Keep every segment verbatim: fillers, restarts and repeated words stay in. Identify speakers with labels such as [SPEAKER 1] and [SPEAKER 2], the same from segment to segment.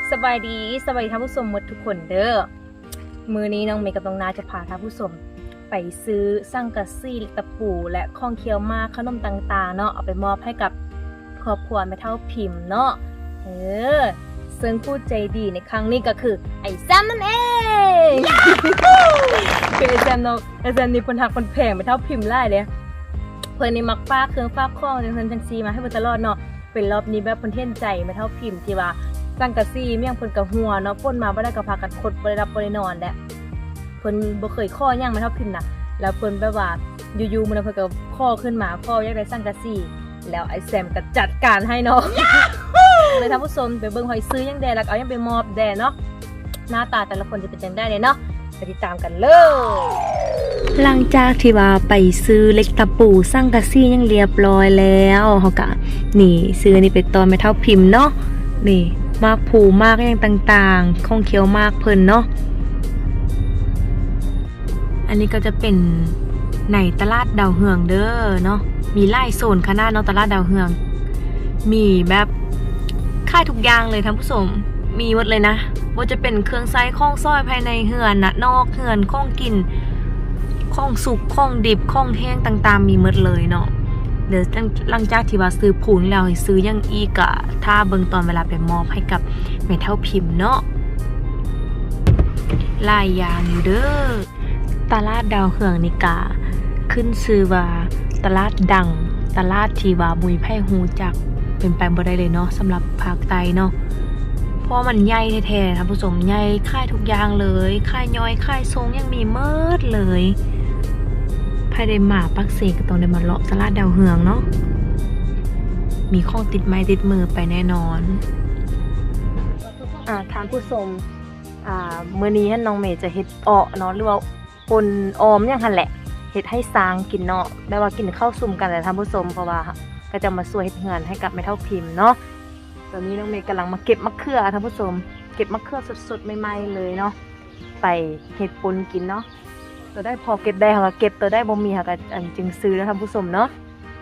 [SPEAKER 1] สบายดีสบายท่านผู้ชมหมดทุกคนเด้อมือนี้น้องเมย์กับน้องนาจะพาท่านผู้ชมไปซื้อสังกะสีตะปูและของเคี้ยวมากขนมต่างๆเนาะเอาไปมอบให้กับครอบครัวแม่เฒ่าพิมพ์เนาะเออซึ่งผู้ใจดีในครั้งนี้ก็คือไอ้แซมนั่นเองคือไอ้แซมเนาะไอ้แซมนี่เพิ่นหักเพิ่นแพงแม่เฒ่าพิมพ์หลายเลยเพิ่นนี่มักฝากเครื่องฝากของจังซั่นจังซี่มาให้เพิ่นตลอดเนาะเป็นรอบนี้แบบเพิ่นเห็นใจแม่เฒ่าพิมพ์ที่ว่าสังกะสีเมี่ยงเพิ่นก็หัวเนาะป่นมาบ่ได้ก็พากันคดบ่ได้รับบ่ได้นอนแหละเพิ่นบ่เคยข้อหยังแม่เฒ่าพิมพ์น่ะแล้วเพิ่นแบบว่าอยู่ๆมื้อนั้นเพิ่นก็ข้อขึ้นมาข้ออยากได้สังกะสีแล้วไอ้แซมก็จัดการให้เนาะเลยท่านผู้ชมไปเบิ่งหอยซื้อยังแดแล้วเอายังไปมอบแดเนาะหน้าตาแต่ละคนจะเป็นจังได้เลยเนาะไปติดตามกันเลยหลังจากที่ว่าไปซื้อเล็กตะปูสังกะสียังเรียบร้อยแล้วเฮาก็นี่ซื้อนี่ไปตอนแม่เฒ่าพิมพ์เนาะนี่มากผูมากอย่างต่างๆของเคี้ยวมากเพิ่นเนาะอันนี้ก็จะเป็นในตลาดดาวเฮืองเด้อเนาะมีหลายโซนขนาดเนาะตลาดดาวเฮืองมีแบบค่ายทุกอย่างเลยท่านผู้ชมมีหมดเลยนะว่าจะเป็นเครื่องใช้ของซอยภายในเฮือนนะนอกเฮือนของกินของสุกของดิบของแห้งต่างๆมีหมดเลยเนาะเดี๋ยวหลังจากที่ว่าซื้อผูนแล้วซื้อยังอีกอะถ้าเบิ่งตอนเวลาไปมอบให้กับแม่เฒ่าพิมพ์เนาะหลายอย่างอยู่เด้อตลาดดาวเฮืองนี่กะขึ้นชื่อว่าตลาดดังตลาดที่ว่าบุยไผ่ฮู้จักเป็นไปบ่ได้เลยเนาะสำหรับภาคใต้เนาะเพราะมันใหญ่แท้ๆท่านผู้ชมใหญ่ค่ายทุกอย่างเลยค่ายย่อยค่ายทรงยังมีเมิดเลยภายในหมาปักเสกก็ต้องได้มาเลาะตลาดดาวเฮืองเนาะมีของติดไม้ติดมือไปแน่นอนอ่าท่านผู้ชมอ่ามื้อนี้น้องเมย์จะเฮ็ดเอ้อเนาะหรือว่าปนออมอย่างหั่นแหละเฮ็ดให้สร้างกินเนาะได้ว่ากินข้าวซุ่มกันแหละท่านผู้ชมเพราะว่าก็จะมาช่วยเฮ็ดเฮือนให้กับแม่เฒ่าพิมพ์เนาะตอนนี้น้องเมย์กำลังมาเก็บมะเขือท่านผู้ชมเก็บมะเขือสดๆใหม่ๆเลยเนาะไปเฮ็ดปนกินเนาะตัวได้พอเก็บได้ค่ะเก็บตัวได้บ่มีค่ะก็อันจึงซื้อแล้วท่านผู้ชมเนาะ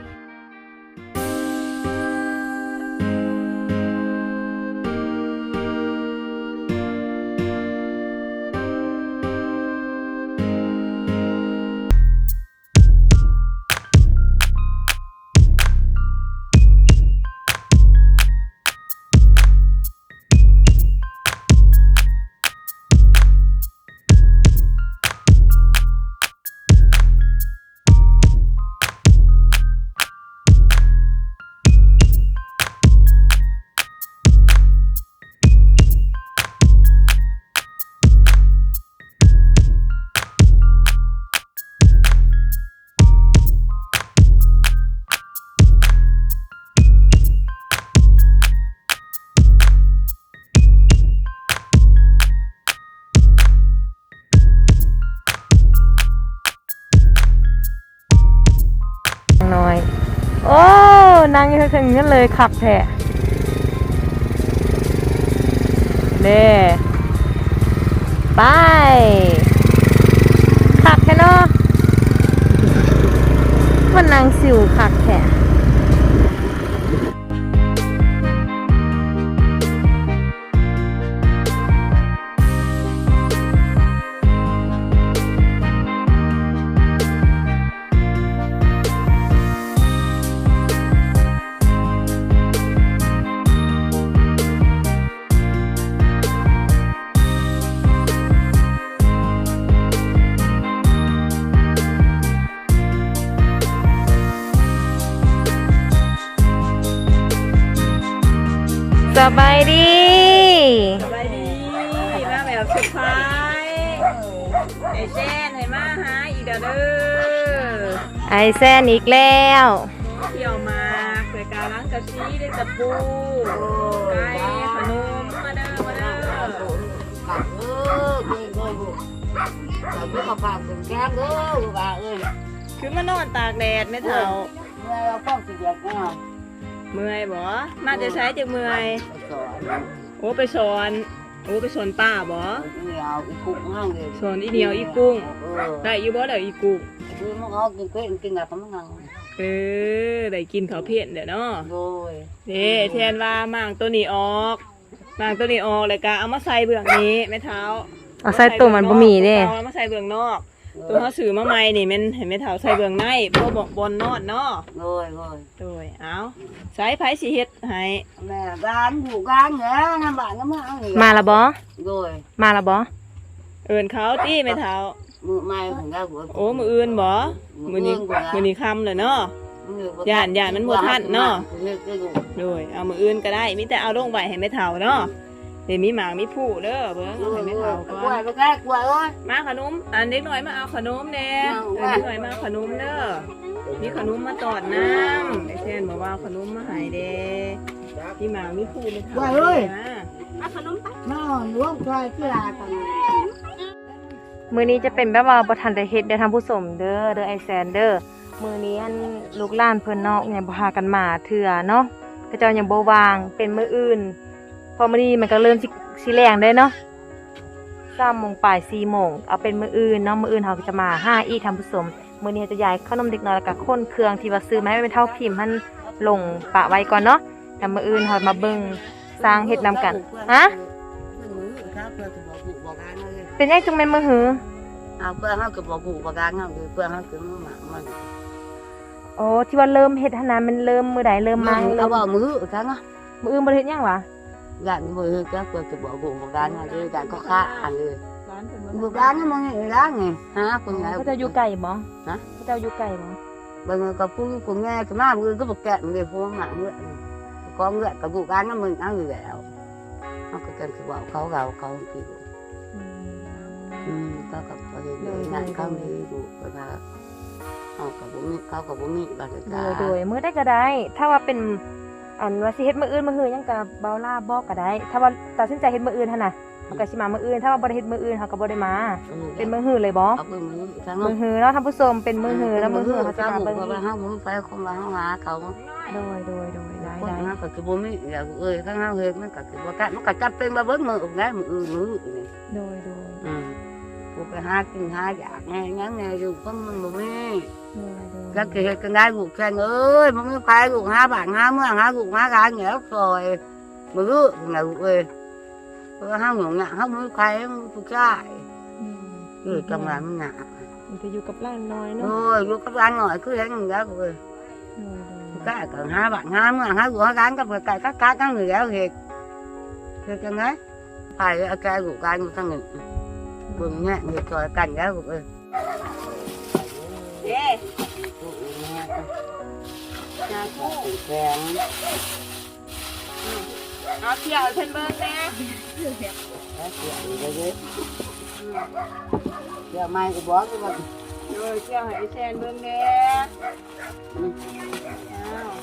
[SPEAKER 1] น้อยโอ้นางยังถึงนั่นเลยขับแท้เด้ไปขับแท้เนาะมันนางสิวขับแท้สบายดีสบายดีมาแบบสุดท้ายไอแซนให้มาหาอีกเด้อไอแซนอีกแล้วเที่ยวมาเกิดการล้างกะซีได้ตะปูไก่ขนมมาเด้อมาเด้อตักเออเก่งเลยบุเราเพิ่งมาฝากถึงแก้มเด้อบ่าเอ้ยคือมานอนตากแดดไม่เท่าเมื่อยเราป้องสิเดียกเนาะเมื่อยบ่มาจะใช้จะเมื่อยโอ้ไปสอนโอ้ไปสอนป้าบ่สอนอีเหนียวอีกุ้งได้อยู่บ่เดี๋ยวอีกุ้งคือมันเอากินเป็ดกินกับมันนั่งเออได้กินข้าวเผ็ดเดี๋ยวเนาะโดยเด้แทนว่ามั่งตัวนี้ออก
[SPEAKER 2] ล้างตัวนี้ออกเลยกะเอามาใส่เบื้องนี้แม่เท้า
[SPEAKER 1] เอาใส่ตัวมันบ่มีเด้
[SPEAKER 2] เอามาใส่เบื้องนอกตัวเขาซื้อมาใหม่นี่แม่นเห็นแม่เท้าใส่เบื้องในเพราะบอกบนนอนเนาะ
[SPEAKER 3] โดยโดย
[SPEAKER 2] โดยเอาใส่ไผสิเฮ็ดให้
[SPEAKER 3] แม่ร้านอยู่ร้านเนี่ยน้ำบ้านก็มาเอานี่
[SPEAKER 1] มาละบ่
[SPEAKER 3] โดย
[SPEAKER 1] มาละบ่
[SPEAKER 2] เอิ้นเขาตี้แม่เท้า
[SPEAKER 3] มือไม้ของเราหัว
[SPEAKER 2] โอ้มื้ออื่นบ่มื้อนี้มื้อนี้ค่ำเลยเนาะ ย่านย่านมันบ่ทันเนาะ โดยเอามื้ออื่นก็ได้มีแต่เอาลงไว้ให้แม่เฒ่าเนาะเดี๋ยวมีหมากมีผู้เด้อเบิ่งเอาให้แม่เฒ่าก่
[SPEAKER 3] กล้
[SPEAKER 2] อ
[SPEAKER 3] วย
[SPEAKER 2] น
[SPEAKER 3] ไปแก้กล้วยโอ้ย
[SPEAKER 2] มาขนมอันเด็กน้อยมาเอาขนมแหน่เออเด็กน้อยมาเอาขนมเด้อมีขนมมาตอดน้ำไอ้เช่นบอกว่าเอาขนมมาให้เด้มีหมากมีผู้แม่เฒ่าเด้อเอาขนมไป
[SPEAKER 3] น้องล้วงกล้วยที่ลาตัง
[SPEAKER 1] มื้อนี้จะเป็นแบบว่าบ่ทันได้เฮ็ดได้ทำผู้สมเด้อเด้อไอแซนเด้อมื้อนี้อันลูกหลานเพิ่นเนาะยังบ่พากันมาเทื่อเนาะเขาเจ้ายังบ่วางเป็นมื้ออื่นพอมื้อนี้มันก็เริ่มสิสิแรงได้เนาะสามโมงปลายสี่โมงเอาเป็นมื้ออื่นเนาะมื้ออื่นเฮาก็จะมาหาอีกทำผู้สมมื้อนี้จะย้ายขนมเด็กน้อยแล้วก็คนเครื่องที่ว่าซื้อมาให้เป็นเท่าพิมพ์มันลงปะไว้ก่อนเนาะแต่มื้ออื่นเฮามาเบิ่งสร้างเฮ็ดนำกันฮะเป็นจังจังแม่นมื้อหือ
[SPEAKER 3] เอาเพื่อเขาก็บอกกูประกันเขาคือเพื่อเขาคือมือหมามัน
[SPEAKER 1] โอ้ที่ว่าเริ่มเฮ็ดหนนามันเริ่มมื้อใดเริ่มมา
[SPEAKER 3] เขา
[SPEAKER 1] เริ่ม
[SPEAKER 3] บอกมือครั้งอ่ะ
[SPEAKER 1] มื้ออื่นบ่ได้เฮ็ดหยังวะ
[SPEAKER 3] อย่างมือก็เพื่อจะบอกกูประกันเขาเลยการก็ฆ่าอันเลย
[SPEAKER 2] ร้านเพิ่น
[SPEAKER 3] บุกร้านนี่มึงไงร้านไงฮะคนไหน
[SPEAKER 1] เขาเจ้าอยู่ไกลบ่
[SPEAKER 3] ฮะ
[SPEAKER 1] เขาเจ้าอยู่ไกลบ่
[SPEAKER 3] บางก็พูดกูแง่ก็มามือก็บอกแกะมือพูดหมาเมื่อก็เมื่อกับบุกร้านนั่นมึงเอาอยู่แล้วเขาก็จะบอกเขาเราเขาคือ
[SPEAKER 1] อืม
[SPEAKER 3] อืมก็กับประเด็นงานเขาเลยดูก็มาเขากับบุมีเขากับบุมีบาง
[SPEAKER 1] โด
[SPEAKER 3] กาย
[SPEAKER 1] โดยมื้อใดก็ได้ ถ้าว่าเป็นอันว่าสิเฮ็ดมื้ออื่นมื้อหือหยังก็เบาล่าบอกก็ได้ ถ้าว่าตัดสินใจเฮ็ดมื้ออื่นหั่นน่ะมันก็สิมามื้ออื่น ถ้าว่าบ่ได้เฮ็ดมื้ออื่นเฮาก็บ่ได้มา เป็นมื้อหือเลยบ่
[SPEAKER 3] เอาเป็นมือทั้ง
[SPEAKER 1] มื้อหือเนาะท่านผู้ชมเป็นมื้อหือแล้วมื้อหือเฮาสิ
[SPEAKER 3] เขา
[SPEAKER 1] มา
[SPEAKER 3] บุก
[SPEAKER 1] เบิ่ง
[SPEAKER 3] ไปห้องมือไปคงมาห้องหาเขา
[SPEAKER 1] โดยโดยโดยได้
[SPEAKER 3] คน
[SPEAKER 1] ได้
[SPEAKER 3] นั้นก็คือบุมีอย่างเอ้ยข้างห้างเฮ็ดมันก็คือว่ากันมันก็จับเป็นมาเบิ้งมือไงมืออื่นมือนี่
[SPEAKER 1] โดยโดย
[SPEAKER 3] อืมกูไปหากินหาอยากไงงั้นไงอยู่ก็มันบุมี
[SPEAKER 1] โดยโดย
[SPEAKER 3] ก็คือเฮ็ดกันได้กูแค่เอ้ยมันไม่ไปกูหาบ้านหาเมืองหากูหาการเหนียวซอยมือไงกูเอ้ยเพราะห้างหงอ่ะห้างมือใครผู้ชาย
[SPEAKER 1] อืม
[SPEAKER 3] คือจังหวะมันหนัก
[SPEAKER 1] มันก็อยู่กับหลานน้อยเนาะ
[SPEAKER 3] โอ้ยลูกกับร้านหน่อยคือเห็นอย่างเงี้ยกูเอ้ย
[SPEAKER 1] โดยโดย
[SPEAKER 3] ก็còn hai bạn hai mà hai của hai cán cái cái các các các người giáo thiệt thiệt chân đấy phải cái cái của cái người ta nghỉ buồn nhẹ người trời cảnh giáo của ơi
[SPEAKER 2] เด้
[SPEAKER 3] cha cô kèm
[SPEAKER 2] เอาเที่ยวให้เพิ่นเบิ่งแหน่
[SPEAKER 3] cái chuyện đấy đấy giờ mai của bó cái bọn
[SPEAKER 2] โดยเที่ยวให้ไอ้แซนเบิ่งแหน่อ้าว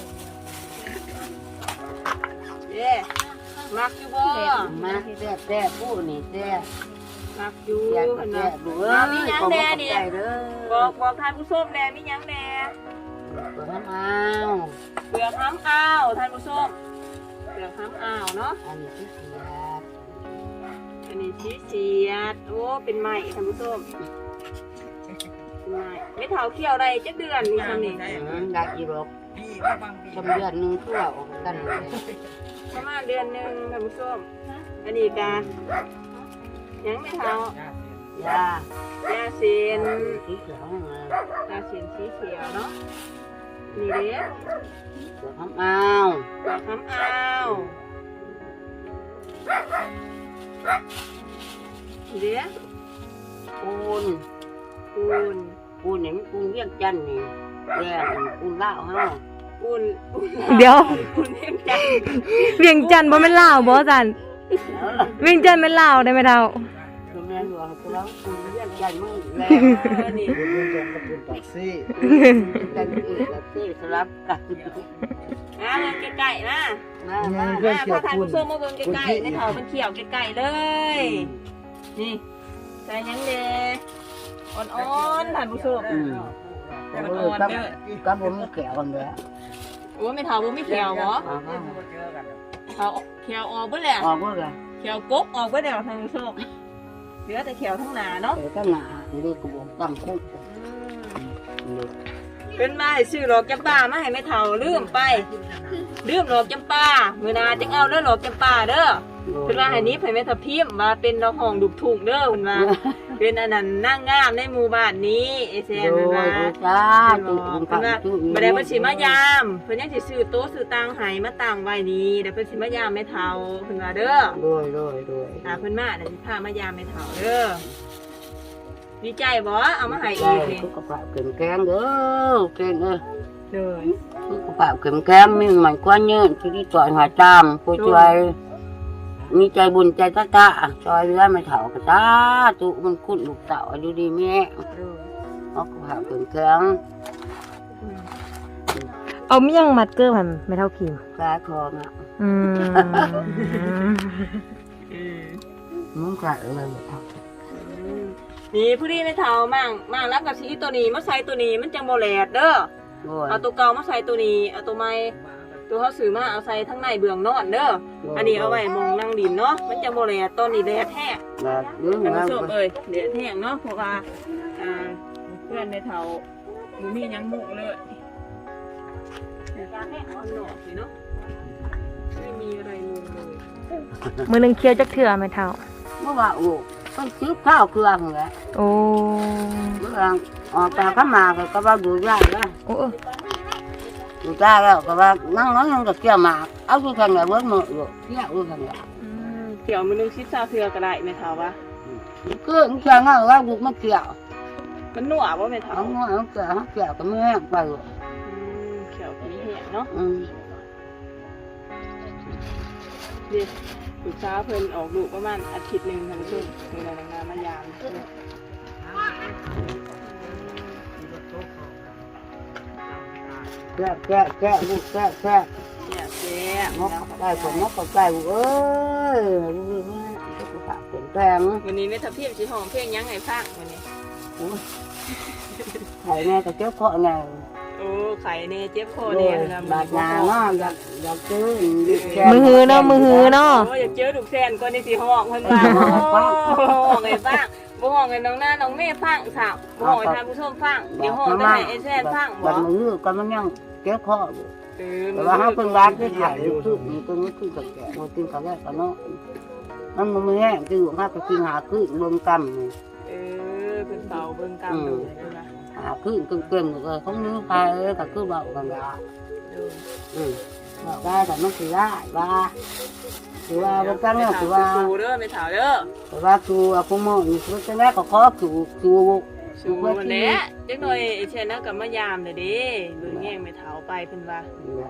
[SPEAKER 2] เด้มักอยู่บ่
[SPEAKER 3] má xe xe phụ này xe
[SPEAKER 2] มักอยู่
[SPEAKER 3] xe
[SPEAKER 2] เพิ่น
[SPEAKER 3] xe
[SPEAKER 2] น่ะ
[SPEAKER 3] đủ
[SPEAKER 2] เอามี
[SPEAKER 3] ơi
[SPEAKER 2] หยัง
[SPEAKER 3] còn
[SPEAKER 2] แหน่
[SPEAKER 3] một
[SPEAKER 2] นี่
[SPEAKER 3] cái đó
[SPEAKER 2] บอกบอกท่านผู้ชมแหน่มีหยังแหน่
[SPEAKER 3] của hắn ao
[SPEAKER 2] เปลือกห้ำอ้าวท่านผู้ชมเปลือกห้ำอ้าวเนาะ
[SPEAKER 3] ăn cái gì
[SPEAKER 2] อันนี้ชีเสียดโอ้เป็นไม้ท่านผู้ชมเป็นไม้ไม่เท่าเขี้ยวได้จักเดือนนี่ทำนี่
[SPEAKER 3] ได้กี่รอบชมเดือนนึงทั่วออกกันเลย
[SPEAKER 2] ประมาณเดือนหนึงท่านผู้ชมอันนี้กายังไม่เท่าย
[SPEAKER 3] าย
[SPEAKER 2] าเซียน
[SPEAKER 3] สีเขียวมาย
[SPEAKER 2] าเซียนสีเขียวเนาะนี่เด้
[SPEAKER 3] เขียวทำเอา
[SPEAKER 2] เปลือกห้ำอ้าวนี่เด้
[SPEAKER 3] ปูน
[SPEAKER 2] ปูน
[SPEAKER 3] ปูนนี่มันปูนเวียงจันทน์นี่แดงปูนลาวเฮา
[SPEAKER 2] ปูนปูน
[SPEAKER 1] เดี๋ยว
[SPEAKER 2] ปูนเอ็มจัน
[SPEAKER 1] เวียงจันทน์บ่แม่นลาวบ่จันเวียงจันทน์แม่นลาวได้ไหมเฒ่า
[SPEAKER 3] คือแม่นว่าคือเราปูนเวียงจันทน์มึงแล้
[SPEAKER 2] เออนี่
[SPEAKER 3] จันทน์อีกแล้วที่สลับกัน
[SPEAKER 2] มาเบิ่งใกล้ๆนะ
[SPEAKER 3] มามา
[SPEAKER 2] มาพาทานผู้ชมมาเบิ่งใกล้ๆในเถามันเขียวใกล้ๆเลย นี่ใส่หยังเด้อ่อนๆท่านผู้ชม
[SPEAKER 3] อืม
[SPEAKER 2] อ่
[SPEAKER 3] เอ
[SPEAKER 2] อ
[SPEAKER 3] อน กับ
[SPEAKER 2] ๆเด้อ
[SPEAKER 3] กับผมแก้วกันเลย
[SPEAKER 2] โอ้ไม่เถาบ่มีเขียวบ่
[SPEAKER 3] อ๋อ
[SPEAKER 2] เถาเขียวออกเบิดแล้ว
[SPEAKER 3] ออกบ่ล่ะ
[SPEAKER 2] เขียวกบออกเบิดแล้วท่านผู้ชมเหลือแต่เขียวทั้งหน้าเนาะ
[SPEAKER 3] เดี๋ยวก็หนานี่ก็บ่ตั้งคุก
[SPEAKER 2] อืม
[SPEAKER 3] นี่
[SPEAKER 2] เป็นมาให้ซื้อหลอกจำปามาให้แม่เฒ่าลืมไปลืมหลอกจำปามื้อหน้าจังเอาเด้อหลอกจำปาเด้อเพิ่นว่าให้นี้ให้แม่ทับทิมมาเป็นดอกห้องดุกทุ่งเด้อเพิ่นว่าเป็นอันนั้นนางงามในหมู่บ้านนี้ไอ้แซ่บ
[SPEAKER 3] โด
[SPEAKER 2] เพิ่น
[SPEAKER 3] ย
[SPEAKER 2] ว่า
[SPEAKER 3] จ้า
[SPEAKER 2] เพิ่
[SPEAKER 3] ตุ่
[SPEAKER 2] น
[SPEAKER 3] ม
[SPEAKER 2] ว่า
[SPEAKER 3] ตุ่ม
[SPEAKER 2] บ่ได้เพิ่นสิมายามเพิ่นยังสิซื้อโต๊ะซื้อตังให้มาตั้งไว้นี่เดี๋ยวเพิ่นสิมายามแม่เฒ่าเพิ่นว่าเด้อ
[SPEAKER 3] โดยโดยโดย
[SPEAKER 2] อ่าเพิ่นมาเดี๋ยวสิพามายามแม่เฒ่าเด้อดีใจบ่เอามาให้อีกนี่
[SPEAKER 3] สุขภาพเข้มแข็งเด้อเก่งเอ้ย
[SPEAKER 2] เด้อ
[SPEAKER 3] สุขภาพเข้มแข็งมีมันกว่าเยืนที่ต่อยหาจามผู้ช่วยมีใจบุญใจตะตะซอยเรือไม่เฒ่ากระตาตุมันคุ้นลูกเต่าอยู่ดีแม่
[SPEAKER 2] เด้อ
[SPEAKER 3] สุขภาพเข้มแข็ง
[SPEAKER 2] อืม
[SPEAKER 1] เอาไม่ยังมัดเกอร์มันไม่เท่าพิมพ์
[SPEAKER 3] กาคองอ่ะ
[SPEAKER 1] อืม
[SPEAKER 2] อืม
[SPEAKER 3] มึงกะอะไรบ่ท
[SPEAKER 2] นี่ผู้ที่ไม่เฒ่ามั่งมั่งรับกับสีตัวนี้มาใส่ตัวนี้มันจังบ่แหลดเด้อ
[SPEAKER 3] ำโดย
[SPEAKER 2] เอาตัวเก่ามาใส่ตัวนี้เอาตัวใหม่ตัวเขาซื้อมาเอาใส่ทั้งในเบื้องนอนเด้ออันนี้เอาไว้มองนั่งดินเนาะมันจังบ่แหลดตอนนี้แดดแท้ง
[SPEAKER 3] แบบยืน
[SPEAKER 2] ท่าน
[SPEAKER 3] แล้
[SPEAKER 2] ผู้
[SPEAKER 3] ว
[SPEAKER 2] ชมเอ้ยแดดแท้งเนาะเพราะว่าอ่าเพื่อนในเฒ่าบ่มีหยังมุกเลยข้างนอกสิเนาะไม่มีอะไรมุงเลย
[SPEAKER 1] มือหนึงเคี้ยวจักเถื่อไม่เท่า
[SPEAKER 3] เมื่อว่าโอ้ต้องซื้อข้าวเกลือเหมือนกัน
[SPEAKER 1] โอ้
[SPEAKER 3] เมื่อออกจากข้ามาก็ว่าดูยากแล้ว
[SPEAKER 1] โอ้
[SPEAKER 3] ดูยากแล้วก็ว่านั่งน้อยยังจะเกี่ยวหมากเอาดูทางไหนเบิ้ลมืออยู่เกี่ยวดูทางไหน
[SPEAKER 2] อืมเกี่ยวมือนึงชิดซาเทือก็ได้แม่เฒ่าว่า
[SPEAKER 3] คือมันเกี่ยวง่ายว่าดูมันเกี่ยว
[SPEAKER 2] มันหนัวบ่แม่เฒ่า
[SPEAKER 3] เอาเงาเอาเกี่ยวเอาเกี่ยวก็ไม่แห้งไปหรอก
[SPEAKER 2] อืมเขียวผีแห้งเนาะ
[SPEAKER 3] อืม
[SPEAKER 2] เด็กลูกสาวเพิ่นออกลูกประมาณอาทิตย์หนึงท่านผู้ชมเพิ่นเอานางมายาม
[SPEAKER 3] แก่แก่แก่ลูกแก่แก่
[SPEAKER 2] เนี่ยแซ่
[SPEAKER 3] ง
[SPEAKER 2] บ
[SPEAKER 3] กได้ผมงกได้ลูกเอ้ยลูกนี่สุขภาพแข็งแรง
[SPEAKER 2] วันนี้แม่ทับทิมสิห้องเพลงหยังให้ฟังวันนี้
[SPEAKER 3] ไข่แม่ก็เจ้าข้อไง
[SPEAKER 2] โอ้ไข่แน่เจ็บคอ
[SPEAKER 3] โด
[SPEAKER 2] แน่
[SPEAKER 3] ย
[SPEAKER 2] นะ
[SPEAKER 3] บาดยาเนาะอยากอยากซื้อ
[SPEAKER 1] มือหือเนาะมือหือเนาะ
[SPEAKER 2] โอ้อยากเจอลูกแซนก่อนนี่สิห้องเพิ่นว่าโอ้ห้องให้ฟังบ่ห้องให้น้องหน้าน้องแม่ฟังสาวบ่ห้องให้ท่านผู้ชมฟังเดี๋ยวห้องได้ให้ไอ้แซนฟังบ่
[SPEAKER 3] บัดมือก็มันยังเจ้าข้ออยู่
[SPEAKER 2] เออ
[SPEAKER 3] แต่ว่าเขาเป็นบาดที่ถ่ายอยู่คือมีตัวนี้คือกับแก่มากินกับแก่กันเนาะมันมันไม่แห้งคือว่าก็กินหาคือเบิ่งกำนี่
[SPEAKER 2] เออเพิ่นเป่าเบิ่งกำดูนะ
[SPEAKER 3] หาคือเก่งๆเลยเขาเนื้อไปก็คือเบากันละ
[SPEAKER 2] เออ
[SPEAKER 3] อืมบอกได้แต่มันคือได้ว่าคือว่าบางครั้งเนี่ยคือว่า
[SPEAKER 2] สู้เด้อแม่เฒ่าเด้อ
[SPEAKER 3] คือว่าคือว่าพวกมึงนี่คือจะแรกก็ขอคือคือ
[SPEAKER 2] สู้วันนี้จักหน่อยไอ้เชนน่ะก็มายามเด้อเด้เบิ่งแย่งแม่เฒ่าไปเพิ่นว่า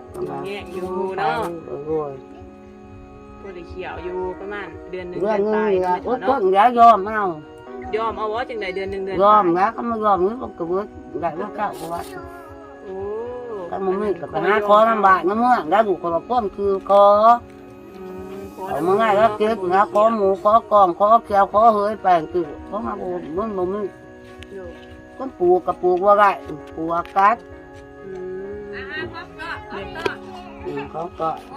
[SPEAKER 3] โอ้ย
[SPEAKER 2] บ่ได้เขียวอยู่ประมาณเดือนหนึง
[SPEAKER 3] เรื่
[SPEAKER 2] เดื
[SPEAKER 3] อ
[SPEAKER 2] อง น
[SPEAKER 3] นี้
[SPEAKER 2] ปลาย
[SPEAKER 3] ละ
[SPEAKER 2] เนาะ
[SPEAKER 3] โอ้
[SPEAKER 2] แม่
[SPEAKER 3] ต้
[SPEAKER 2] เฒ่าน เนาะ
[SPEAKER 3] ยายอมเอา
[SPEAKER 2] ยอมเอาว่าจังไดเดือนหนึงเดือน
[SPEAKER 3] ยอมนะก็ไม่ยอมนี่ก็กระเบื้องได้ว่าเก้าก็ว่า
[SPEAKER 2] โอ้
[SPEAKER 3] ก็มันไม่กับปัญหาคอลำบากนะเมื่อได้บุกคนละป้อมคือคอ
[SPEAKER 2] อืมข
[SPEAKER 3] เอามาง่ายแล้วเจ็บนะคอหมูคอกองคอเขียวคอเฮ้ยแปลงคือเขามาบูมันบ่มี
[SPEAKER 2] อยู่
[SPEAKER 3] ต้นปลูกกับปลูกว่าไรปลูกกัด
[SPEAKER 2] อืม
[SPEAKER 3] อืมเขาก็
[SPEAKER 1] โอ้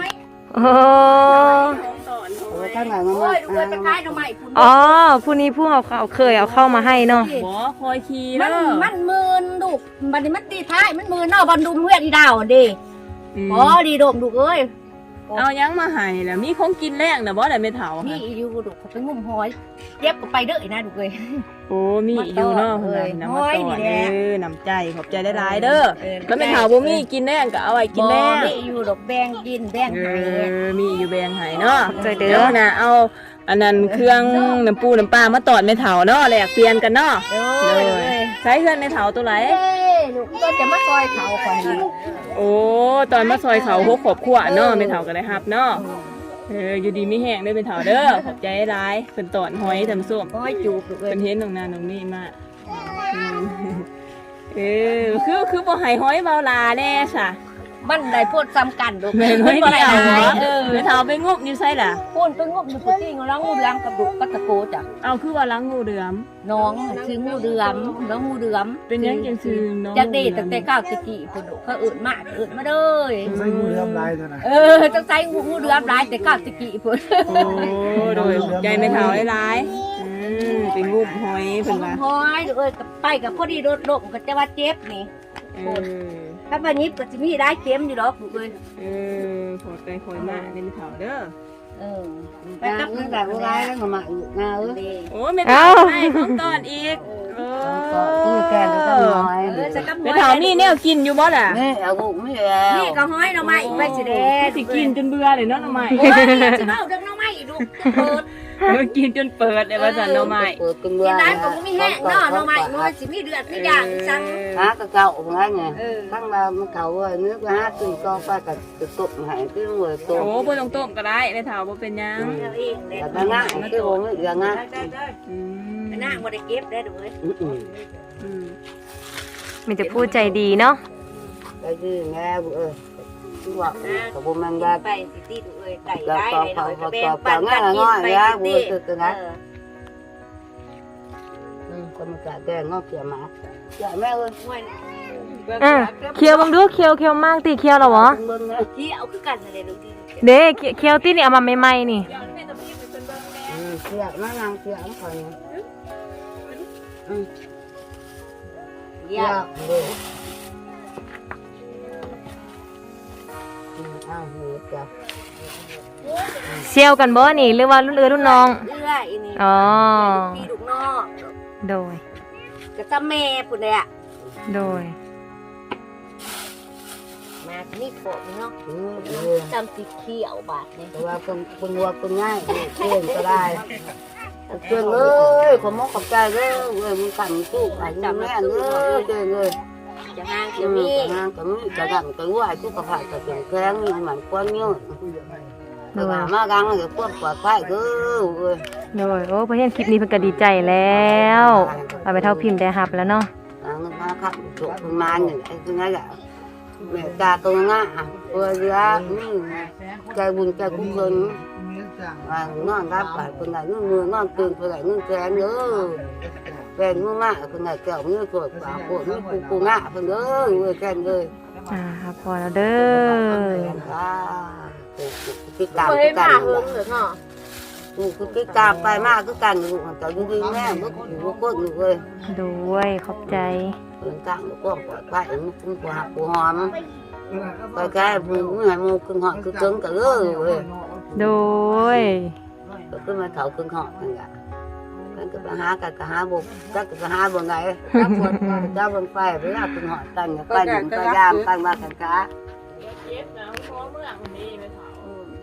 [SPEAKER 2] ท้องต่อนท้อง
[SPEAKER 3] เออ
[SPEAKER 2] ไว้
[SPEAKER 3] ถ้าไงมัน
[SPEAKER 4] โอ้
[SPEAKER 3] มาย
[SPEAKER 4] ดูเลยไปขายหน่อไม้พุ่น
[SPEAKER 1] อ๋อผู้นี้ผู้เอาเขาเคยเอาเข้ามาให้เนาะ
[SPEAKER 2] บ่คอยขี่
[SPEAKER 4] มั
[SPEAKER 2] เด้
[SPEAKER 4] น
[SPEAKER 2] อ
[SPEAKER 4] มันมืนลูกบัดนี้มันตีท้ายมันมืนเนาะบันดุมเฮือดอีดาวเด้
[SPEAKER 2] อืม
[SPEAKER 4] อ๋อดีโดมลูกเอ้ย
[SPEAKER 2] เอายังมาให้แล้วมีของกินแรงน่ะบ่ได้แม่เฒ่า
[SPEAKER 4] นี่
[SPEAKER 2] ค่ะ
[SPEAKER 4] อยู่ลูกเขาไปงุ่มหอยเย็บก็ไปเด้ออีนะลูกเอ้ย
[SPEAKER 2] โอ้มีอยู่เนาะ
[SPEAKER 4] มาต่อ
[SPEAKER 2] เพิ่น
[SPEAKER 4] เอ้ย
[SPEAKER 2] น่ะนำมา
[SPEAKER 4] น้อย
[SPEAKER 2] ต่อ
[SPEAKER 4] นี่แห
[SPEAKER 2] เด้
[SPEAKER 4] ละ
[SPEAKER 2] อน้ำใจขอบใจหลายๆเด้อแล้วแม่เฒ่าบ่มีกินแรงก็เอาไว้กินแรง
[SPEAKER 4] บ่นี่อยู่ดอกแบงกินแบง
[SPEAKER 2] เอ
[SPEAKER 4] ไห้
[SPEAKER 2] อมีอยู่แบงให้เนาะ
[SPEAKER 1] ใจเด้
[SPEAKER 2] เดี๋ยว
[SPEAKER 1] อ
[SPEAKER 2] นะเอาอันนั้นเครื่องน้ำปูน้ำปลามาตอดแม่เฒ่าเนาะแลกเปลี่ยนกันเนาะ
[SPEAKER 4] เด้
[SPEAKER 2] เล
[SPEAKER 4] อย เอ้ย
[SPEAKER 2] ใช้เพื่อนแม่เฒ่าตัวไหน
[SPEAKER 4] เอ้ยลูกก็จะมาซอยเขาคนนี้
[SPEAKER 2] โอ้ตอนมาซอยเขาหัวขอบขวเนาะแม่เฒ่าก็ได้รับเนาะเอออยู่ดีมีแห้งเด้อแม่เฒ่าเด้อขอบใจหลายเพิ่นตอนหอยทำส้ม
[SPEAKER 4] หอยจูบลูกเอ้ย
[SPEAKER 2] เพิ่นเห็นตรงนั้นตรงนี้มาอืมเออคือคือบ่ให้หอยเบาลาแน่ซะ
[SPEAKER 4] มันได้พูดซ้ำกันลูก
[SPEAKER 2] แม่นหอยเดียวเหรอ
[SPEAKER 4] เออ
[SPEAKER 2] แม่เฒ่าไปงบอยู่ไสล่ะ
[SPEAKER 4] พูดไปงบอยู่พุทธิงแล้วงูเหลือมกับลูกก็ตะโกจ้ะ
[SPEAKER 2] เอาคือว่าล้างงูเดือม
[SPEAKER 4] น้องชื่องูเดือมน้องงูเดือม
[SPEAKER 2] เป็นหยังจังซื่อน้อง
[SPEAKER 4] จากเด็กตั้งแต่ก้าวตะกี้พุ่นลูกเขาเอื่นมาเอื่นมาเลย
[SPEAKER 5] ใส่งูเหลือมลายเท่านั้น
[SPEAKER 4] เออจังใส่งูงูเดือมหลายแต่ก้าวตะกี้พุ่น
[SPEAKER 2] โอ้โดยขอบใจแม่เฒ่าหลายๆอืมเป็นงุบหอยเพิ่นว่า
[SPEAKER 4] หอยลูกเอ้ยกับไปกับพอดีโดดลงก็จะว่าเจ็บนี่
[SPEAKER 2] เอเออ
[SPEAKER 4] ถ้าบัดนี้ก็สิมีได้เค็มอยู่ดอกลูกเอ้ย
[SPEAKER 2] เออขอดไปขอยมาเล่นเถาเด้อ
[SPEAKER 4] เออ
[SPEAKER 3] ไปกับเงินแต่ว่าไรแล้วก็มาอีกงาเออ
[SPEAKER 2] โอ้ไม่เถาให้ของตอนอีกเออ
[SPEAKER 3] ก็คือแกนก็น้อย
[SPEAKER 4] เออจะกับ
[SPEAKER 2] ไม่เถานี่เนี่ยกินอยู่บ่ล่ะ
[SPEAKER 3] นี่เอาบุกไม่แล้ว
[SPEAKER 4] นี่ก็ห้อยหน่อไม้อีกใบสิแดง
[SPEAKER 2] สิกินจนเบื่อเลยเนาะหน่อไม้
[SPEAKER 4] โอ้ยสิเมาเรื่องหน่อไม้อีกลูกเปิด
[SPEAKER 2] กินจนเปิดเลยว่าสันหน่อไม้
[SPEAKER 3] เปิดกัน
[SPEAKER 4] กินได้ก็บ่มีแห้งเนาะหน่อไม้มันสิมีเลือดมีอย่างจัง
[SPEAKER 3] หากระเจ้าของไงไงทั้งเรามันเขาว่าเนื้อก็หาตื่นก็ไปกับตกตกหายที่หัวตก
[SPEAKER 2] โอ้บ่ต้องต้มก็ได้ไม่เถาบ่เป็นหยัง
[SPEAKER 4] เอาเองเด้
[SPEAKER 3] แต่ง่ายที่โอ้ยอย่างงั้น
[SPEAKER 2] อืม
[SPEAKER 4] นางบ่ได้เก็บได้อเด้อเว้ย
[SPEAKER 2] อืม
[SPEAKER 1] มันจะพูดใจดีเนาะ
[SPEAKER 3] ไปดื้อแง่เออที่ว่ากับบุมันยา
[SPEAKER 4] ไปสิติลูกเอ้ยไก่
[SPEAKER 3] เรา
[SPEAKER 4] ได้
[SPEAKER 3] ต่อ
[SPEAKER 4] หน่อย
[SPEAKER 3] ต่
[SPEAKER 4] ก็
[SPEAKER 3] อ
[SPEAKER 4] แบ่
[SPEAKER 3] ต่อง ต่
[SPEAKER 4] ปั
[SPEAKER 3] อน ง่า
[SPEAKER 4] กัน
[SPEAKER 3] ย
[SPEAKER 4] กิน
[SPEAKER 3] ง่าย
[SPEAKER 4] ไป
[SPEAKER 3] ยา
[SPEAKER 4] สิ
[SPEAKER 3] บุ
[SPEAKER 4] ติ
[SPEAKER 3] คือกัน
[SPEAKER 4] เอ
[SPEAKER 3] นะ
[SPEAKER 4] อ
[SPEAKER 3] คนมันจะแก่งอกเกี่ยมาเกี่ยแม่เอ้ย
[SPEAKER 4] ห้วย
[SPEAKER 1] อ่ะเคี้ยวบังดูเคี้ยวเคี้ยวมากตีเคี้ยวเหรอวะ
[SPEAKER 3] เบิ่งนะ
[SPEAKER 4] ที่เอาคือกันนั่นแหละลูกที่
[SPEAKER 1] เด้เคี้ยวตีนี่เอามาใหม่ๆนี่
[SPEAKER 3] เกี่ยมานางเกี่ยมคอยอืม
[SPEAKER 4] เยี่
[SPEAKER 3] เกี่
[SPEAKER 4] ย
[SPEAKER 3] ย
[SPEAKER 4] ม
[SPEAKER 3] เลยอ้าวเฮ้ยเกี่ย
[SPEAKER 1] เชี่ยวกันบ่นี่หรือว่ารุ่นเอือรุ่นน้อง
[SPEAKER 4] เอื้ออีนี่
[SPEAKER 1] อ๋อ
[SPEAKER 4] พี่ลูกนอก
[SPEAKER 1] โดย
[SPEAKER 4] ก็จะแม่พุ่นเลยอ่ะ
[SPEAKER 1] โดย
[SPEAKER 4] มานี่โปะเนาะ
[SPEAKER 3] อืมเออ
[SPEAKER 4] จำสีเขียวบาดนี่
[SPEAKER 3] แต่ว่าคนคนวัวคนง่ายเพื่อนก็ได้เพื่อนเอ้ยขอมอกขอบใจเด้อเอ้ยมึงกันสู้ไปจับแม่เด้อเด้อเลย
[SPEAKER 4] จะห่าง
[SPEAKER 3] อื
[SPEAKER 4] จะ
[SPEAKER 3] ม
[SPEAKER 4] มี
[SPEAKER 3] งานก็มีจะดังก็ว่ากูก็ผ่านก็เสียงแข็งนี่มันกวนเยอะแต่ว่ามากังก็ควบปลอดภัยเด้อเอ้ย
[SPEAKER 1] โดยโอ้เพื่อนคลิปนี้เพิ่นก็ดีใจแล้วเอาไปเท่าพิมพ์ได้รับแล้วเนาะ
[SPEAKER 3] เงินมาครับจบประมาณนี่ไอ้คือไงล่ะแม่ตาตัวง่ะตัวเรือนี่ใจบุญใจกุศลว่านอนรับไปคนไหนเงินมือนอนตื่นคนไหนเงินแสนเด้อแฟนมือมากคนไหนแก้วมือสดปากปวดมือปูปูง่ะคนเด้อเว้ยแค่เลย
[SPEAKER 1] อ่าพอแล้วเด้อ
[SPEAKER 3] อ่าติดตาม
[SPEAKER 4] เค
[SPEAKER 3] คื
[SPEAKER 4] ย
[SPEAKER 3] อกั
[SPEAKER 4] มาน เฮิงเหรอเนาะ
[SPEAKER 3] กูคือติดตามไปมากคือกันอยู่แต่ดีๆแม่เมื่อกูอยู่ก็อยู่เลย
[SPEAKER 1] ด้วยขอบใจ
[SPEAKER 3] เดินทางก็ปลอดภัยมันคุ้มกว่ากูหอมไปแก่มึงไม่ให้มึงขึ้นหอคือเกินกันเลยเว้ย
[SPEAKER 1] โดย
[SPEAKER 3] ก็ขึ้นมาเถาขึ้นหอนั่นแหละกันก็ไปหากันก็หาบุกจักก็หาบนไหนจับนเจ้าบนไฟไปลาขึ้นหอตั้งไปหนึ่งไปยามตั้งมาขันขา
[SPEAKER 2] เจ็บนะเพราะเมื่อคนนี้ไม่เถาก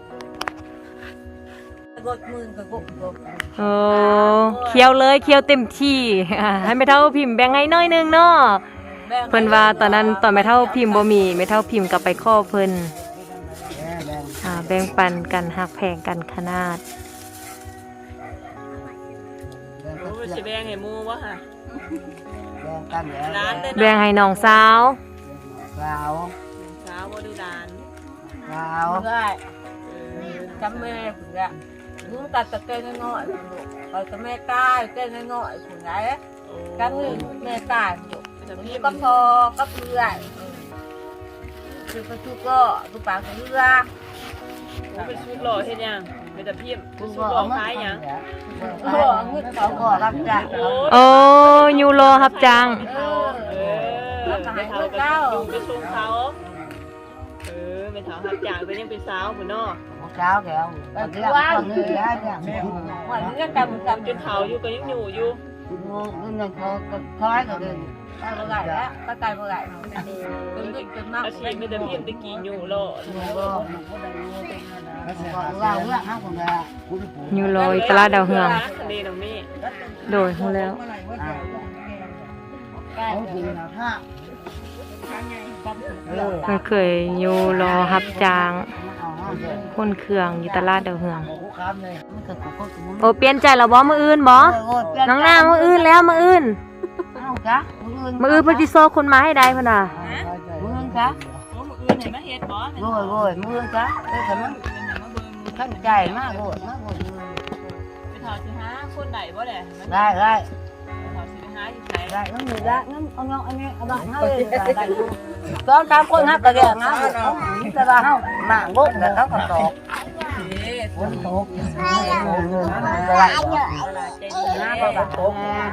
[SPEAKER 4] ดมือก็กดกด
[SPEAKER 1] โอ้เคี้ยวเลยเคี้ยวเต็มที่อ่าให้แม่เท่าพิมพ์แบ่งให้น้อยหนึงเนาะเพิ่นว่าตอนนั้นตอนแม่เท่าพิมพ์บ่มีแม่เท่าพิมพ์ก็ไปขอเพิ่นอ่าแบ่งปันกันหักแพงกันขนาด
[SPEAKER 2] รู้สิแบงให้มูวะค่ะ
[SPEAKER 3] กันแล้ว
[SPEAKER 2] ร้านเต้น
[SPEAKER 1] แบ่งให้น้องสาว
[SPEAKER 3] กล่าว
[SPEAKER 2] เช้าบ่ดูร้าน
[SPEAKER 3] กล่าว
[SPEAKER 4] ได้จำแม่ผุนละลุงตัดตะเกียงน้อยๆลูกไปกับแม่ตายเต้นน้อยๆผุนไหนกันหนึ่งแม่ตายลูกนี่ก็พอก็เพื่อนคือประตูก็ตูปากเรือ
[SPEAKER 2] เป็นชุดหล่อเฮ็ดยังเป็นแต่พิมพ์
[SPEAKER 3] กู
[SPEAKER 2] ชุด
[SPEAKER 3] ก็
[SPEAKER 2] หล่อ
[SPEAKER 3] เอามา
[SPEAKER 2] คล้ายยัง
[SPEAKER 3] เออเงินเขาก็รับจ้าง
[SPEAKER 1] โอ้ยูโรรับจัง
[SPEAKER 4] เออ
[SPEAKER 2] เออไปเถากับดูกระชุมเขาเออไปเถาหักจากไปยังเป็นสาวพุ่นเนาะ
[SPEAKER 3] เช้าแก้วไปเรื่องคนนี้แล้วเนี่ย
[SPEAKER 4] วันนี้ก็กำกำ
[SPEAKER 2] จนเถาอยู่ก็ยังอยู่อยู่
[SPEAKER 3] เงินเขาก็คล้ายกันเลย
[SPEAKER 4] ไปเมื่อไหร่แล้วก็ไกลเมื่อไหร่เป็นเด็กเป็นมาก
[SPEAKER 2] อาชีพเป็นแต่พิมพ์ตะกี้อยู่หล่อ
[SPEAKER 3] เราเรื่องห้างคนละ
[SPEAKER 1] ยูโรอีตลาดดาวเฮือง
[SPEAKER 2] ทะเลตรงนี้
[SPEAKER 1] โดยฮู้แล้ว
[SPEAKER 3] เอาจริงนะถ้าเออ
[SPEAKER 1] มันเคยยูโรรับจ้าง
[SPEAKER 3] เอาห้างเถอะ
[SPEAKER 1] คนเครื่องอยู่ตลาดดาวเฮือง
[SPEAKER 3] มันก็กูก็กู
[SPEAKER 1] โอ้เปลี่ยนใจแล้วบ่มื้ออื่นบ่น้องนางมื้ออื่นแล้วมื้ออื่น
[SPEAKER 3] เอาจ้ะมือ
[SPEAKER 1] มื้ออื่นเพิ่นสิโซคนมาให้ได้พุ่นน่ะ
[SPEAKER 3] มือจ้ะ
[SPEAKER 2] โอ้มืออื่นเห็นมาเฮ็ดบ่
[SPEAKER 3] โวยโวยมือจ้ะเอ้ยทำไมขั้นใจมากโวยมากโวย
[SPEAKER 2] ไปเถาสิหาคนใดบ่แหละ
[SPEAKER 3] ได้ได้
[SPEAKER 2] เถาสิไปหาอยู่ไส
[SPEAKER 3] ได้งั้นมีได้งั้นเอาเงาอันนี้เอาบ้านเฮาเลยได้ตอนตามคนฮักกะแกงนะเขาแต่ว่าเฮาหมางบุกแต่เขาก็ตอก
[SPEAKER 2] เอ๊ะ
[SPEAKER 4] ฝนตก
[SPEAKER 3] น้าก็แบบตก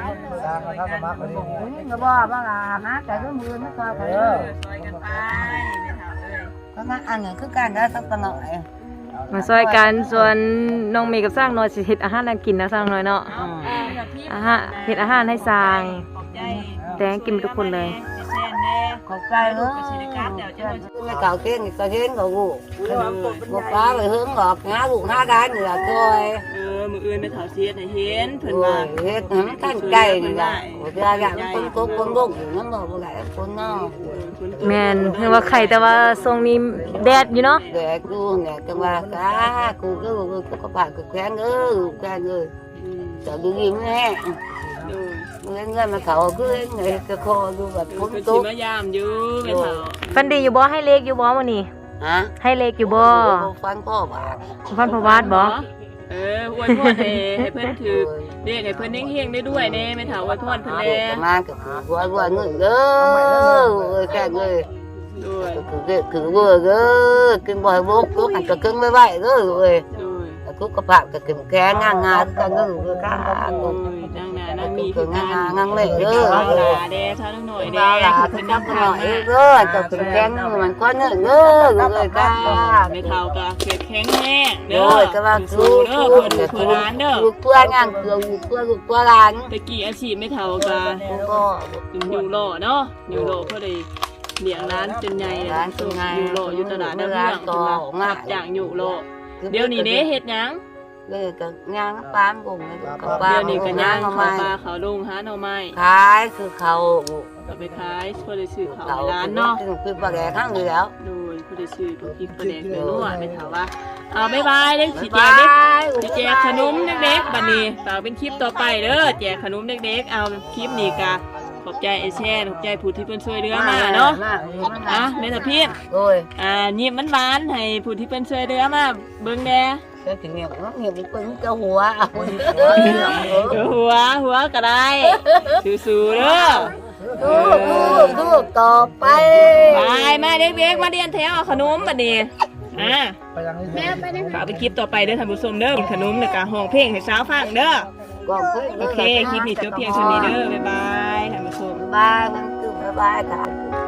[SPEAKER 3] ก็บอกว่าหาแต่ก็มือไม่พอกัน
[SPEAKER 2] ซอยกันไปไม่ถามเลย
[SPEAKER 3] ก็งั้นอันนี้คือการได้สักหน่อย
[SPEAKER 1] มาซอยกันส่วนน้องเมย์กับสร้างน้อยสิเฮ็ดอาหารให้กินนะสร้างน้อยเนาะอาหารเฮ็ดอาหารให้สร้าง
[SPEAKER 2] ขอบใจ
[SPEAKER 1] แต่งกินทุกคนเลย
[SPEAKER 2] แซ่นแน่
[SPEAKER 3] ขอบใจเนอะ
[SPEAKER 2] ไปชิลการเดี๋ยวจะมา
[SPEAKER 3] ไม่เก่าเก่งก็เก่งก็กูกูป้าไปhướng ngọt ngãกูngã cái nữa là thôi
[SPEAKER 2] เออมืออื่นไปถาวเสียให้เห็นเพิ่น
[SPEAKER 3] rồi
[SPEAKER 2] ว่า
[SPEAKER 3] hết hắn thanh cây này là của ra gặm con cốt con bụng nó mà cô lại con nó
[SPEAKER 1] แม่นเพิ่นว่าไข่แต่ว่าทรงนี้แดดอยู่เนาะ
[SPEAKER 3] để cô nè cho ba cá cô cứ cô có bạn cô quen ơi quen ơi sợ đi gì nghe
[SPEAKER 2] โดย
[SPEAKER 3] người người mà khẩu cứ người cái kho luôn và
[SPEAKER 2] เพิ่
[SPEAKER 3] cũng
[SPEAKER 2] นสิ
[SPEAKER 3] tốt
[SPEAKER 2] มายามอยู่แม่ถาว
[SPEAKER 1] ฟันดีอยู่บ่ให้เลขอยู่บ่มื้อนี้
[SPEAKER 3] hả
[SPEAKER 1] ให้เลขอยู่บ่
[SPEAKER 3] cô phán có bạn
[SPEAKER 1] ฟันพระวาดบ่
[SPEAKER 2] เอออวยพรให้ให้เพิ่นถือเรียกให้เพิ่นเฮงๆได้ด้วยแน่แม่ถาวอวยพรเพิ่นแน่
[SPEAKER 3] mà cái vừa vừa người gơ người cái người
[SPEAKER 2] ด้วย
[SPEAKER 3] cứ cứ vừa gơ cái bò bố cứ ăn cái cưng với vậy rồi rồi
[SPEAKER 2] ด้วย
[SPEAKER 3] cứ có bạn cái kiểm khe ngang ngang cái người người cá
[SPEAKER 2] โอ้ยนางนานั่งมี
[SPEAKER 3] cứ
[SPEAKER 2] คือกัน
[SPEAKER 3] ngang ngang lệ
[SPEAKER 2] เด้อ
[SPEAKER 3] rồi
[SPEAKER 2] เอาหลาแด่เท่าหน่อยแด่
[SPEAKER 3] là
[SPEAKER 2] เพิ่
[SPEAKER 3] cái
[SPEAKER 2] นนั่ง
[SPEAKER 3] nhóc
[SPEAKER 2] ทาง
[SPEAKER 3] nói
[SPEAKER 2] มา
[SPEAKER 3] rồi cái kiểm khe người mình có nữa rồi người cá
[SPEAKER 2] ไม่เท่ากับเขตแข็งแห้งเด้อ
[SPEAKER 3] rồi các bạn
[SPEAKER 2] สู้
[SPEAKER 3] cứ
[SPEAKER 2] เด้อ
[SPEAKER 3] cứ
[SPEAKER 2] เพื่อดูเพื่อร้านเด้อ
[SPEAKER 3] cứ qua ngang cửa qua qua làn
[SPEAKER 2] ตะกี้อาชีพไม่เท่ากับ
[SPEAKER 3] cũng có
[SPEAKER 2] อยู่โลเนาะอยู่โลเพื่อได้เลี้ยงร้านจนใหญ่เลย
[SPEAKER 3] ร้านจนใหญ่
[SPEAKER 2] อยู่โลอยู่ตลาดน้ำเมือง
[SPEAKER 3] ร้านต่อ
[SPEAKER 2] งับจากอยู่โลเดี๋ยวนี้เด้เฮ็ดหยัง
[SPEAKER 3] rồi cái ngang nó bám cùng cái
[SPEAKER 2] เดี๋
[SPEAKER 3] bám
[SPEAKER 2] ยวนี้ก็ย่าง
[SPEAKER 3] nó
[SPEAKER 2] เข้าปลา
[SPEAKER 3] mai
[SPEAKER 2] เขาลงหาหน่อไม้
[SPEAKER 3] tháiคือเขา
[SPEAKER 2] ก็ไปขายเพื่อได้ซื้อข้าว
[SPEAKER 3] เขา
[SPEAKER 2] ให้ร้านเนาะ
[SPEAKER 3] คือปลาแดกข้างอยู่แล้ว
[SPEAKER 2] โดยเพื่อได้ซื้อพวกพริกปลาแดกไปนวดไม่เท่าว่าเอาบ๊ายบายเด้สิแจกเด็กสิแจกขนมเด็กๆบัดนี้ฝากเป็นคลิปต่อไปเด้อแจกขนมเด็กๆเอาคลิปนี้ก็ขอบใจไอ้แช่ขอบใจผู้ที่เพิ่นช่วยเหลือมาเนาะอ่ะแม่ตะพี่
[SPEAKER 3] rồi
[SPEAKER 2] อ่ายิ้มมันหวานๆให้ผู้ที่เป็นช่วยเหลือมาเบิ่งแหน่
[SPEAKER 3] cái kỷ niệm nó nhiều cái quên cái hùa
[SPEAKER 2] หัวหัวก็ได้สู้ๆเด้อ
[SPEAKER 3] cứ cứ cứต่อไป
[SPEAKER 2] ไปมาเด็กๆมาเรียนแถวเอาขนมบัดนี้อ่าฝากเป็นคลิปต่อไปเด้อท่านผู้ชมเด้อกินขนมแล้วก็ห้องเพลงให้สาวฟังเด้อ
[SPEAKER 3] còn
[SPEAKER 2] โอเคคลิปนี้จบเพียงเท่านี้เด้อบ๊ายบายท่านผู้ชม
[SPEAKER 3] bye bye cứ bye bye cả